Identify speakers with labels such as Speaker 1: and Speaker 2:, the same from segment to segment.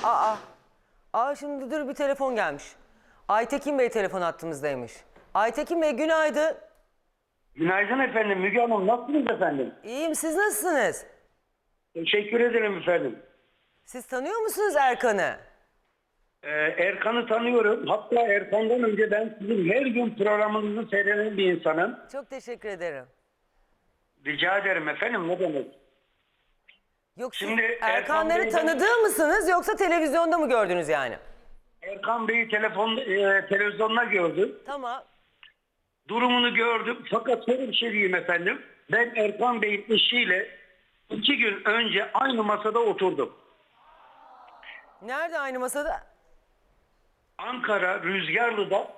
Speaker 1: Şimdi dur, bir telefon gelmiş. Aytekin Bey telefon hattımızdaymış. Aytekin Bey günaydın.
Speaker 2: Günaydın efendim. Müge Hanım nasılsınız efendim?
Speaker 1: İyiyim, siz nasılsınız?
Speaker 2: Teşekkür ederim efendim.
Speaker 1: Siz tanıyor musunuz Erkan'ı?
Speaker 2: Erkan'ı tanıyorum. Hatta Erkan'dan önce ben sizin her gün programınızı seyreden bir insanım.
Speaker 1: Çok teşekkür ederim.
Speaker 2: Rica ederim efendim, ne demek?
Speaker 1: Yok, siz
Speaker 2: Şimdi
Speaker 1: Erkanları
Speaker 2: Erkan Bey'den-
Speaker 1: tanıdığı mısınız yoksa televizyonda mı gördünüz yani?
Speaker 2: Erkan Bey'i televizyonda gördüm.
Speaker 1: Tamam.
Speaker 2: Durumunu gördüm. Fakat şöyle bir şey diyeyim efendim. Ben Erkan Bey'in eşiyle 2 gün önce aynı masada oturdum.
Speaker 1: Nerede aynı masada?
Speaker 2: Ankara Rüzgarlı'da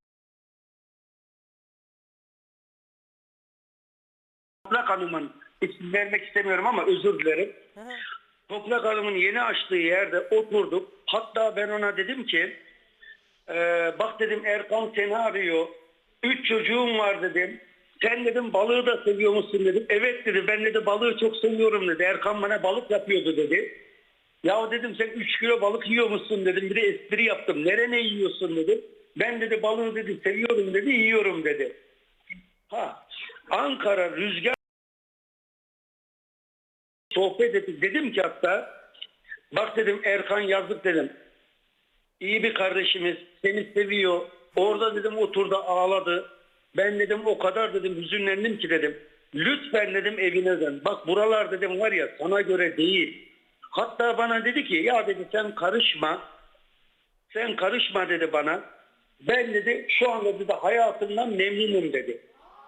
Speaker 2: Toprak Hanım'ın, isim vermek istemiyorum ama özür dilerim. Toprak Hanım'ın yeni açtığı yerde oturduk. Hatta ben ona dedim ki bak dedim, Erkan seni arıyor. 3 çocuğum var dedim. Sen dedim balığı da seviyor musun dedim. Evet dedi, ben dedi balığı çok seviyorum dedi. Erkan bana balık yapıyordu dedi. Ya dedim sen 3 kilo balık yiyor musun dedim. Bir de espri yaptım. Nerene yiyorsun dedim. Ben dedi balığı dedi seviyorum dedi, yiyorum dedi. Ankara Rüzgar sohbet ettik. Dedim ki hatta bak dedim Erkan yazık dedim. İyi bir kardeşimiz, seni seviyor. Orada dedim oturdu ağladı. Ben dedim o kadar dedim hüzünlendim ki dedim. Lütfen dedim evine dön. Bak buralar dedim var ya sana göre değil. Hatta bana dedi ki ya dedi sen karışma. Sen karışma dedi bana. Ben dedi şu anda dedi hayatımdan memnunum dedi.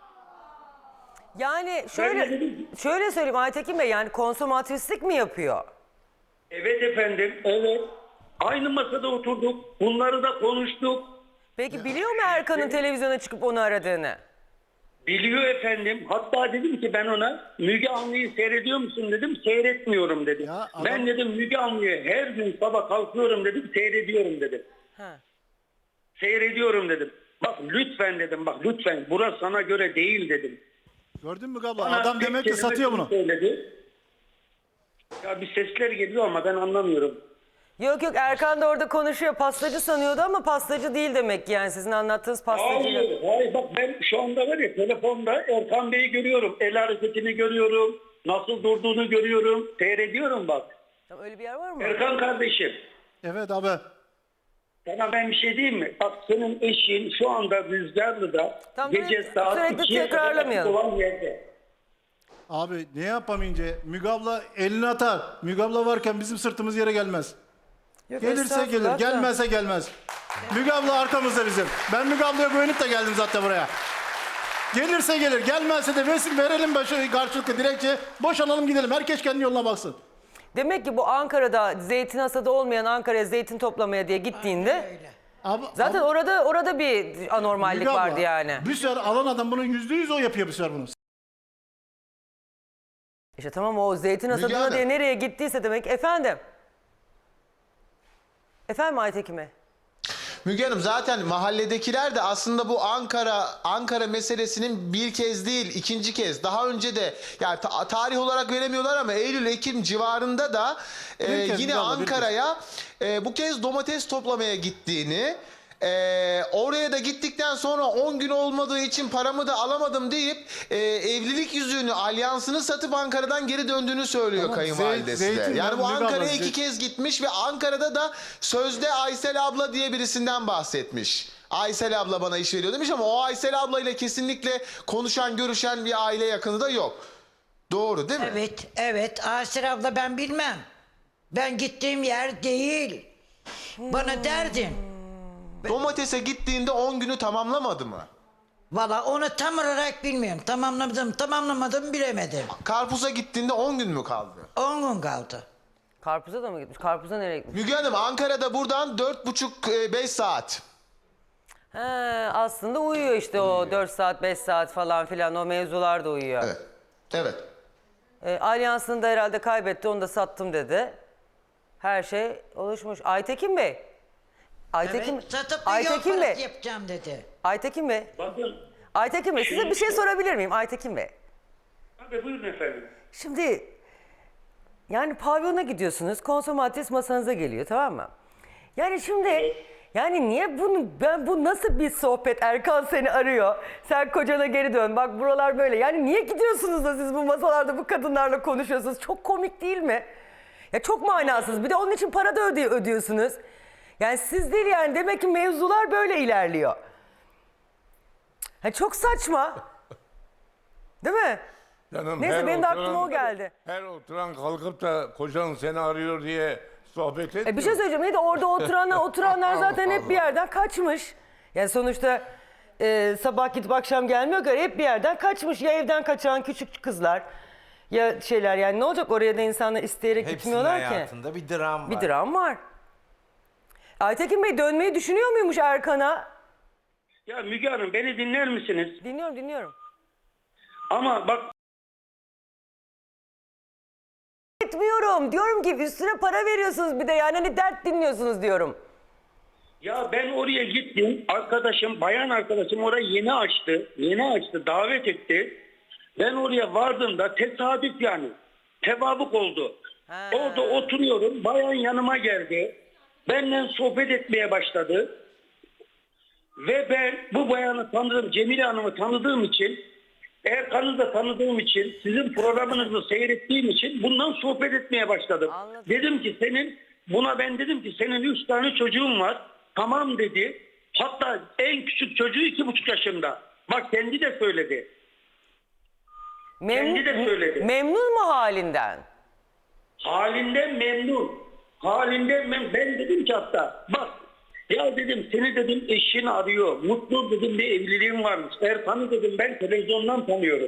Speaker 1: Yani şöyle söyleyeyim Aytekin Bey, yani konsomatrislik mi yapıyor?
Speaker 2: Evet efendim, evet. Aynı masada oturduk. Bunları da konuştuk.
Speaker 1: Peki biliyor mu Erkan'ın televizyona çıkıp onu aradığını?
Speaker 2: Biliyor efendim. Hatta dedim ki ben ona Müge Anlı'yı seyrediyor musun dedim. Seyretmiyorum dedim.
Speaker 3: Ya adam-
Speaker 2: Ben dedim Müge Anlı'yı her gün sabah kalkıyorum dedim. Seyrediyorum dedim.
Speaker 1: Ha.
Speaker 2: Seyrediyorum dedim. Bak lütfen dedim, bak lütfen burası sana göre değil dedim.
Speaker 3: Gördün mü abla?
Speaker 2: Bana
Speaker 3: Adam
Speaker 2: tek
Speaker 3: demek ki
Speaker 2: kelime
Speaker 3: satıyor
Speaker 2: şunu
Speaker 3: bunu.
Speaker 2: söyledi. Ya bir sesler geliyor ama ben anlamıyorum.
Speaker 1: Yok Erkan da orada konuşuyor. Pastacı sanıyordu ama pastacı değil demek ki, yani sizin anlattığınız pastacıyla.
Speaker 2: Hayır bak ben şu anda var ya telefonda Erkan Bey'i görüyorum. El hareketini görüyorum. Nasıl durduğunu görüyorum. Seyrediyorum bak.
Speaker 1: Tamam, öyle bir yer var mı?
Speaker 2: Erkan kardeşim.
Speaker 3: Evet abi.
Speaker 2: Sana ben bir şey diyeyim mi? Bak senin eşin şu anda Rüzgarlı'da
Speaker 1: Tamam,
Speaker 2: gece saat
Speaker 1: sürekli
Speaker 2: 2'ye kadar
Speaker 1: tekrarlamayalım.
Speaker 2: olan yerde.
Speaker 3: Abi ne yapamayınca Müge abla elini atar. Müge abla varken bizim sırtımız yere gelmez.
Speaker 1: Yok,
Speaker 3: Gelirse
Speaker 1: estağfurullah
Speaker 3: gelir,
Speaker 1: da.
Speaker 3: gelmezse gelmez. Müge abla arkamızda bizim. Ben Müge ablaya güvenip de geldim zaten buraya. Gelirse gelir, gelmezse de verelim karşılıklı dilekçe, boşanalım gidelim. Herkes kendi yoluna baksın.
Speaker 1: Demek ki bu Ankara'da zeytin hasadı olmayan Ankara'ya zeytin toplamaya diye gittiğinde zaten orada bir anormallik
Speaker 3: Müge abla,
Speaker 1: vardı yani.
Speaker 3: Bir sefer alan adam bunu %100 o yapıyor bir sefer bunu.
Speaker 1: İşte tamam, o zeytin
Speaker 4: Müge
Speaker 1: hasadına
Speaker 4: Hanım.
Speaker 1: diye nereye gittiyse demek. Efendim Aytekin Bey.
Speaker 4: Müge Hanım, zaten mahalledekiler de aslında bu Ankara meselesinin bir kez değil ikinci kez, daha önce de yani tarih olarak veremiyorlar ama Eylül-Ekim civarında da
Speaker 3: kez
Speaker 4: yine
Speaker 3: Müge abla, bir kez.
Speaker 4: Ankara'ya bu kez domates toplamaya gittiğini, oraya da gittikten sonra 10 gün olmadığı için paramı da alamadım deyip evlilik yüzüğünü, alyansını satıp Ankara'dan geri döndüğünü söylüyor
Speaker 3: Tamam,
Speaker 4: kayınvalidesi de.
Speaker 3: zeytin
Speaker 4: Yani bu
Speaker 3: Müge abla,
Speaker 4: Ankara'ya 2 kez gitmiş ve Ankara'da da sözde Aysel abla diye birisinden bahsetmiş. Aysel abla bana iş veriyor demiş ama o Aysel abla ile kesinlikle konuşan, görüşen bir aile yakını da yok. Doğru değil mi?
Speaker 5: Evet. Aysel abla ben bilmem. Ben gittiğim yer değil. Bana derdin.
Speaker 4: Domatese gittiğinde 10 günü tamamlamadı mı?
Speaker 5: Valla onu tam olarak bilmiyorum. Tamamlamadım bilemedim.
Speaker 4: Karpuza gittiğinde 10 gün mü kaldı?
Speaker 5: 10 gün kaldı.
Speaker 1: Karpuza da mı gitmiş? Karpuza nereye gitmiş?
Speaker 4: Müge Hanım, Ankara'da buradan 4,5-5 saat.
Speaker 1: He, aslında uyuyor işte o 4 saat 5 saat falan filan, o mevzular da uyuyor.
Speaker 4: Evet. Evet.
Speaker 1: Alyansını da herhalde kaybetti, onu da sattım dedi. Her şey oluşmuş. Aytekin Bey.
Speaker 5: Evet, satıp da yol parası yapacağım dedi.
Speaker 1: Aytekin Bey.
Speaker 2: Bakın.
Speaker 1: Aytekin Bey, size bir şey
Speaker 2: Şimdi-
Speaker 1: sorabilir miyim Aytekin Bey?
Speaker 2: Tabii buyurun efendim.
Speaker 1: Şimdi 4 saat 5 saat falan filan, o mevzular da uyuyor.
Speaker 2: Şimdi
Speaker 1: Yani pavyona gidiyorsunuz, konsomatris masanıza geliyor, tamam mı? Yani şimdi, yani niye bu nasıl bir sohbet? Erkan seni arıyor, sen kocana geri dön, bak buralar böyle. Yani niye gidiyorsunuz da siz bu masalarda bu kadınlarla konuşuyorsunuz? Çok komik değil mi? Ya çok manasız. Bir de onun için para da ödüyorsunuz. Yani siz değil yani, demek ki mevzular böyle ilerliyor. Ha, çok saçma. Değil mi?
Speaker 6: Canım,
Speaker 1: Neyse,
Speaker 6: her
Speaker 1: benim de
Speaker 6: oturan-
Speaker 1: aklıma o geldi.
Speaker 6: Her oturan kalkıp da kocan seni arıyor diye sohbet etmiyor.
Speaker 1: Bir şey söyleyeceğim. Neydi orada oturanlar zaten hep bir yerden kaçmış. Yani sonuçta sabah gidip akşam gelmiyor ki, hep bir yerden kaçmış. Ya evden kaçan küçük kızlar ya şeyler, yani ne olacak, oraya da insanlar isteyerek
Speaker 7: Hepsinin
Speaker 1: gitmiyorlar ki.
Speaker 7: hayatında bir dram var.
Speaker 1: Bir dram var. Aytekin Bey dönmeyi düşünüyor muymuş Erkan'a?
Speaker 2: Ya Müge Hanım, beni dinler misiniz?
Speaker 1: Dinliyorum.
Speaker 2: Ama bak,
Speaker 1: Etmiyorum. Diyorum ki üstüne para veriyorsunuz bir de, yani hani dert dinliyorsunuz diyorum.
Speaker 2: ya ben oraya gittim. Bayan arkadaşım orayı yeni açtı. Davet etti. Ben oraya vardığımda tesadüf, yani tevafuk oldu.
Speaker 1: Ha.
Speaker 2: Orada oturuyorum. Bayan yanıma geldi. Benimle sohbet etmeye başladı. Ve ben bu bayanı tanıdığım, Cemile Hanım'ı tanıdığım için, Erkan'ı da tanıdığım için, sizin programınızı seyrettiğim için bundan sohbet etmeye başladım.
Speaker 1: Anladım.
Speaker 2: Dedim ki senin 3 tane çocuğun var. Tamam dedi. Hatta en küçük çocuğu 2,5 yaşında. Bak, kendi de söyledi. Kendi de söyledi.
Speaker 1: Memnun mu halinden?
Speaker 2: Halinden memnun. Ben dedim ki hatta, bak ya dedim, seni dedim eşin arıyor. Mutlu dedim bir evliliğin varmış. Erkan'ı dedim ben televizyondan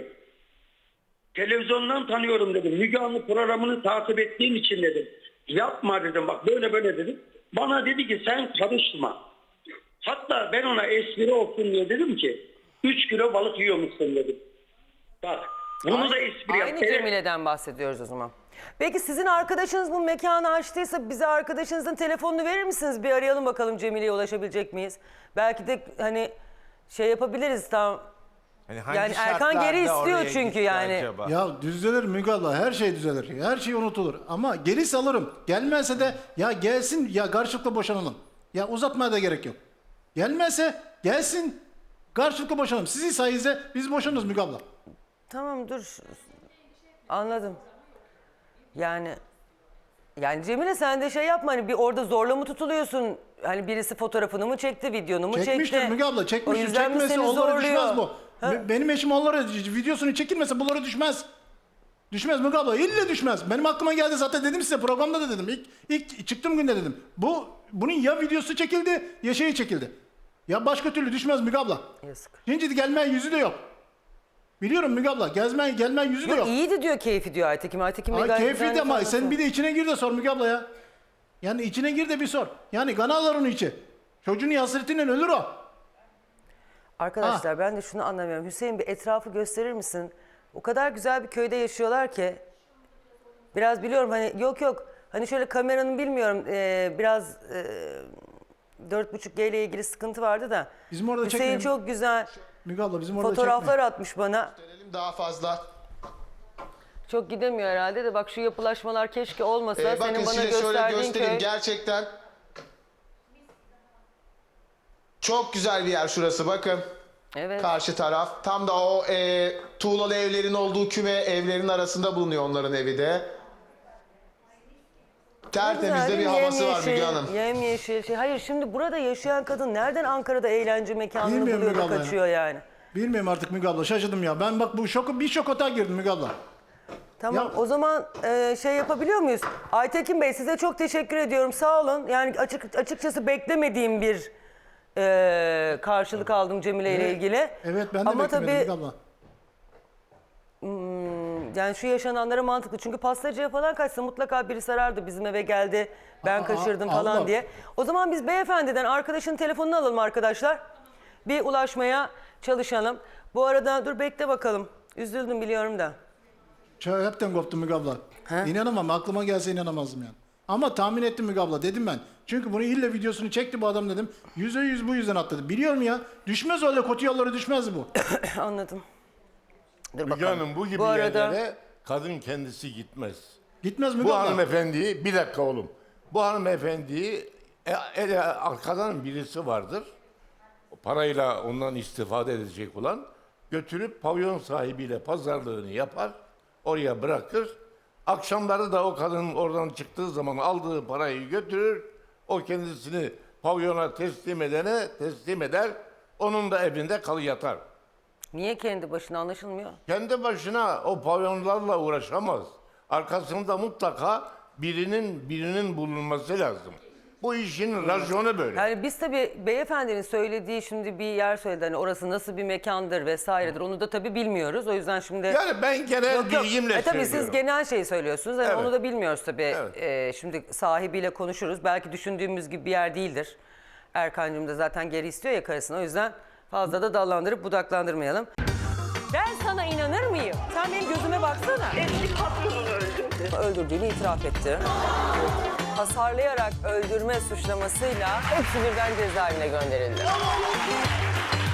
Speaker 2: tanıyorum dedim. Müge Anlı programını takip ettiğim için dedim. Yapma dedim, bak böyle dedim. Bana dedi ki sen karışma. Hatta ben ona espri olsun diye dedim ki 3 kilo balık yiyormuşsun dedim. Bak bunu da espri yaptı.
Speaker 1: Aynı Cemile'den bahsediyoruz o zaman. Peki sizin arkadaşınız bu mekanı açtıysa bize arkadaşınızın telefonunu verir misiniz? Bir arayalım bakalım, Cemile'ye ulaşabilecek miyiz? Belki de hani şey yapabiliriz tam.
Speaker 7: Hani hangi
Speaker 1: Yani Erkan
Speaker 7: şartlarda
Speaker 1: geri istiyor
Speaker 7: oraya
Speaker 1: çünkü
Speaker 7: gitti
Speaker 1: yani.
Speaker 7: acaba?
Speaker 3: Ya düzelir Müge abla, her şey düzelir. Her şey unutulur. Ama geri alırım. Gelmezse de ya gelsin, ya karşılıklı boşanalım. Ya uzatmaya da gerek yok. Gelmezse gelsin, karşılıklı boşanalım. Sizin sayenizde biz boşanırız Müge abla.
Speaker 1: Tamam, dur. Anladım. Yani Cemile sen de şey yapma, hani bir orada zorla mı tutuluyorsun? Hani birisi fotoğrafını mı çekti, videonu mu çekti?
Speaker 3: Çekmiştir Müge abla,
Speaker 1: O
Speaker 3: çekmiştir.
Speaker 1: yüzden mi
Speaker 3: Çekmese
Speaker 1: seni
Speaker 3: onlara
Speaker 1: zorluyor?
Speaker 3: düşmez bu.
Speaker 1: Ha?
Speaker 3: Benim eşim onlara videosunu çekilmese bunlara düşmez. Düşmez Müge abla, illa düşmez. Benim aklıma geldi zaten, dedim size programda da dedim. İlk çıktığım günde dedim. Bunun ya videosu çekildi ya şeyi çekildi. Ya başka türlü düşmez Müge abla.
Speaker 1: Yazık.
Speaker 3: Şimdi gelmeyen yüzü de yok. Biliyorum Müge abla, gelmeyen yüzü de yok.
Speaker 1: İyiydi diyor, keyfi diyor Aytekin. Aytekin Bey
Speaker 3: Ay
Speaker 1: gayet
Speaker 3: keyifliydi
Speaker 1: güzel
Speaker 3: ama
Speaker 1: ifade
Speaker 3: sen
Speaker 1: ediyor.
Speaker 3: bir de içine gir de sor Müge abla ya. Yani içine gir de bir sor. Yani kan ağlar onun içi. Çocuğun hasretinden ölür o.
Speaker 1: Arkadaşlar ben de şunu anlamıyorum. Hüseyin, bir etrafı gösterir misin? O kadar güzel bir köyde yaşıyorlar ki. Biraz biliyorum hani, yok. Hani şöyle kameranın bilmiyorum biraz 4.5G ile ilgili sıkıntı vardı da.
Speaker 3: Bizim orada
Speaker 1: Hüseyin
Speaker 3: çekmeyin.
Speaker 1: çok güzel
Speaker 3: Müge abla bizim orada
Speaker 1: fotoğraflar
Speaker 3: çekme.
Speaker 1: atmış bana.
Speaker 4: Gösterelim daha fazla.
Speaker 1: Çok gidemiyor herhalde de, bak şu yapılaşmalar keşke olmasa.
Speaker 4: Bakın
Speaker 1: Senin bana
Speaker 4: size şöyle
Speaker 1: gösterdiğin
Speaker 4: göstereyim.
Speaker 1: köy.
Speaker 4: Gerçekten çok güzel bir yer şurası, bakın.
Speaker 1: Evet.
Speaker 4: Karşı taraf. Tam da o tuğlalı evlerin olduğu küme evlerin arasında bulunuyor onların evi de. Tertemiz de bir havası var Müge Hanım.
Speaker 1: Yemyeşil şey. Hayır, şimdi burada yaşayan kadın nereden Ankara'da eğlence mekanını
Speaker 3: Bilmiyorum
Speaker 1: buluyor da
Speaker 3: Müge abla ya.
Speaker 1: kaçıyor yani?
Speaker 3: Bilmiyorum artık Müge abla, şaşırdım ya. Ben bak bir şokota girdim Müge abla.
Speaker 1: Tamam,
Speaker 3: Ya-
Speaker 1: o zaman şey yapabiliyor muyuz? Aytekin Bey, size çok teşekkür ediyorum, sağ olun. Yani açıkçası beklemediğim bir karşılık aldım Cemile ile ilgili.
Speaker 3: Evet, ben de
Speaker 1: Ama
Speaker 3: beklemedim
Speaker 1: tabii
Speaker 3: Müge abla.
Speaker 1: yani şu yaşananlara mantıklı. Çünkü pastacıya falan kaçsa mutlaka birisi arardı, bizim eve geldi, ben kaçırdım falan
Speaker 3: Allah.
Speaker 1: diye. O zaman biz beyefendiden arkadaşın telefonunu alalım arkadaşlar. Bir ulaşmaya çalışalım. Bu arada dur bekle bakalım. Üzüldüm biliyorum da.
Speaker 3: Hepten koptum Müge abla. İnanamam, aklıma gelse inanamazdım yani. Ama tahmin ettim Müge abla, dedim ben. Çünkü bunu illa videosunu çekti bu adam dedim. %100 bu yüzden atladı. Biliyorum ya, düşmez öyle kötü yollara, düşmez bu.
Speaker 1: Anladım. Dur
Speaker 6: Müge
Speaker 1: bakalım.
Speaker 6: Hanım, bu gibi
Speaker 1: Bu arada-
Speaker 6: yerlere kadın kendisi gitmez.
Speaker 3: Gitmez Müge
Speaker 6: Bu
Speaker 3: abla.
Speaker 6: hanımefendiyi, bir dakika oğlum. Bu hanımefendiyi arkadan birisi vardır. Parayla ondan istifade edecek olan götürüp pavyon sahibiyle pazarlığını yapar. Oraya bırakır. Akşamları da o kadın oradan çıktığı zaman aldığı parayı götürür. O kendisini pavyona teslim eder. Onun da evinde yatar.
Speaker 1: Niye kendi başına anlaşılmıyor?
Speaker 6: Kendi başına o pavyonlarla uğraşamaz. Arkasında mutlaka birinin bulunması lazım. Bu işin raconu böyle.
Speaker 1: Yani biz tabii beyefendinin söylediği şimdi bir yer söyledi. Hani orası nasıl bir mekandır vesairedir. Onu da tabii bilmiyoruz. O yüzden şimdi...
Speaker 6: Yani ben genel bilgimle
Speaker 1: Tabii
Speaker 6: söylüyorum.
Speaker 1: siz genel şeyi söylüyorsunuz. Hani
Speaker 6: Evet.
Speaker 1: onu da bilmiyoruz tabii.
Speaker 6: Evet.
Speaker 1: Şimdi sahibiyle konuşuruz. Belki düşündüğümüz gibi bir yer değildir. Erkancığım da zaten geri istiyor ya karısını. O yüzden fazla da dallandırıp budaklandırmayalım. Ben sana inanır mıyım? Sen benim gözüme baksana.
Speaker 8: Eski patronunu öldürdü.
Speaker 1: Öldürdüğünü itiraf etti. Hasarlayarak öldürme suçlamasıyla hepsi birden cezaevine gönderildi.